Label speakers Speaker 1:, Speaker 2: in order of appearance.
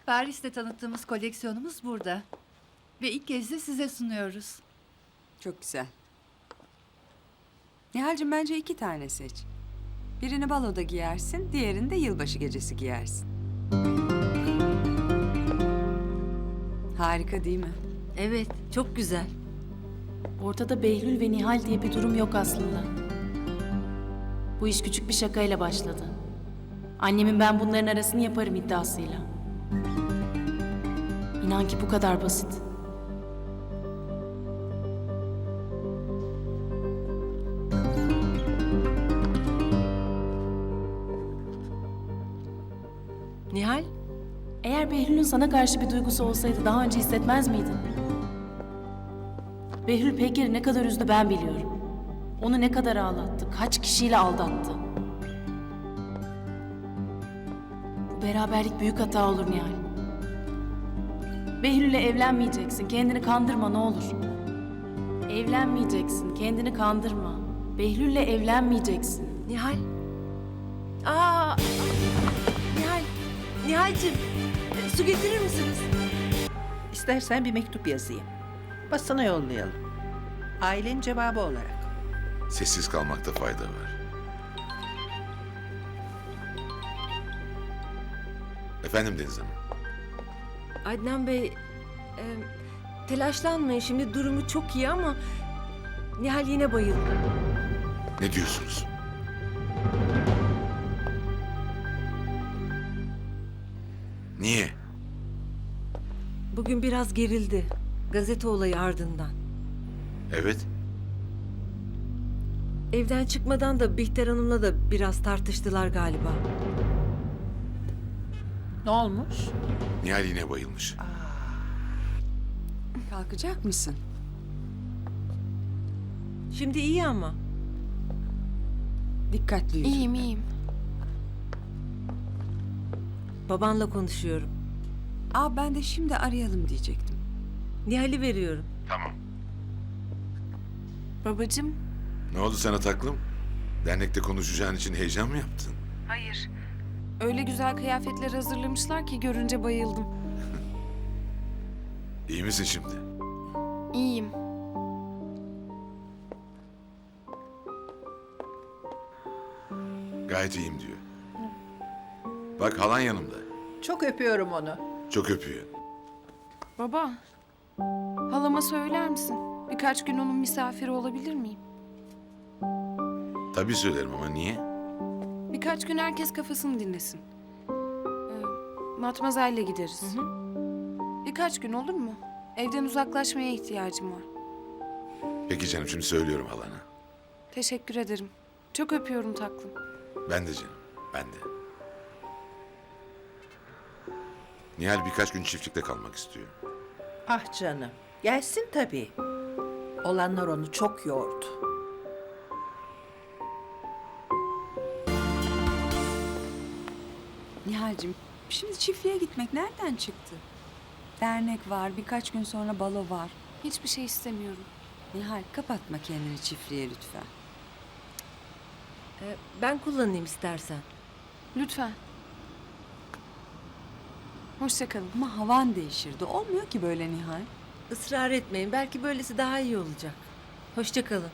Speaker 1: Paris'te tanıttığımız koleksiyonumuz burada. Ve ilk kez de size sunuyoruz.
Speaker 2: Çok güzel. Nihal'cim bence 2 tane seç. Birini baloda giyersin, diğerini de yılbaşı gecesi giyersin. Harika değil mi?
Speaker 3: Evet, çok güzel.
Speaker 4: Ortada Behlül ve Nihal diye bir durum yok aslında. Bu iş küçük bir şakayla başladı. Annemin ben bunların arasını yaparım iddiasıyla. İnan ki bu kadar basit.
Speaker 3: Nihal,
Speaker 4: Eğer Behlül'ün sana karşı bir duygusu olsaydı daha önce hissetmez miydin? Behlül Peker'i ne kadar üzdü ben biliyorum. Onu ne kadar ağlattı, kaç kişiyle aldattı. Bu beraberlik büyük hata olur Nihal. Behlül'le evlenmeyeceksin, kendini kandırma ne olur. Evlenmeyeceksin, kendini kandırma. Behlül'le evlenmeyeceksin.
Speaker 3: Nihal. Aa! Nihal, Nihal'cim, su getirir misiniz?
Speaker 5: İstersen bir mektup yazayım. Basına yollayalım. Ailenin cevabı olarak.
Speaker 6: Sessiz kalmakta fayda var. Efendim Deniz Hanım.
Speaker 3: Adnan Bey, telaşlanmayın. Şimdi durumu çok iyi ama Nihal yine bayıldı.
Speaker 6: Ne diyorsunuz? Niye?
Speaker 3: Bugün biraz gerildi. Gazete olayı ardından.
Speaker 6: Evet.
Speaker 3: Evden çıkmadan da Bihter Hanım'la da biraz tartıştılar galiba.
Speaker 5: Ne olmuş?
Speaker 6: Nihal yine bayılmış.
Speaker 2: Kalkacak mısın?
Speaker 3: Şimdi iyi ama.
Speaker 2: Dikkatli yürü.
Speaker 4: iyiyim.
Speaker 3: Babanla konuşuyorum.
Speaker 2: Ben de şimdi arayalım diyecektim.
Speaker 3: Nihal'i veriyorum.
Speaker 6: Tamam.
Speaker 4: Babacığım,
Speaker 6: Ne oldu sana taklım? Dernekte konuşacağın için heyecan mı yaptın?
Speaker 7: Hayır. Öyle güzel kıyafetler hazırlamışlar ki görünce bayıldım.
Speaker 6: İyi misin şimdi?
Speaker 7: İyiyim.
Speaker 6: Gayet iyiyim diyor. Bak halan yanımda.
Speaker 5: Çok öpüyorum onu.
Speaker 6: Çok öpüyor.
Speaker 7: Baba, halama söyler misin? Birkaç gün onun misafiri olabilir miyim?
Speaker 6: Tabii söylerim ama niye?
Speaker 7: Birkaç gün herkes kafasını dinlesin. Matmazel'le gideriz. Birkaç gün olur mu? Evden uzaklaşmaya ihtiyacım var.
Speaker 6: Peki canım şimdi söylüyorum halana.
Speaker 7: Teşekkür ederim. Çok öpüyorum taklım.
Speaker 6: Ben de canım. Ben de. Nihal birkaç gün çiftlikte kalmak istiyor.
Speaker 5: Ah canım. Gelsin tabii. Olanlar onu çok yordu.
Speaker 2: Nihal'cim şimdi çiftliğe gitmek nereden çıktı? Dernek var, birkaç gün sonra balo var.
Speaker 7: Hiçbir şey istemiyorum.
Speaker 2: Nihal kapatma kendini çiftliğe lütfen.
Speaker 3: Ben kullanayım istersen.
Speaker 7: Lütfen. Hoşça kalın.
Speaker 2: Ama havan değişirdi. Olmuyor ki böyle Nihal.
Speaker 3: Israr etmeyin. Belki böylesi daha iyi olacak. Hoşça kalın.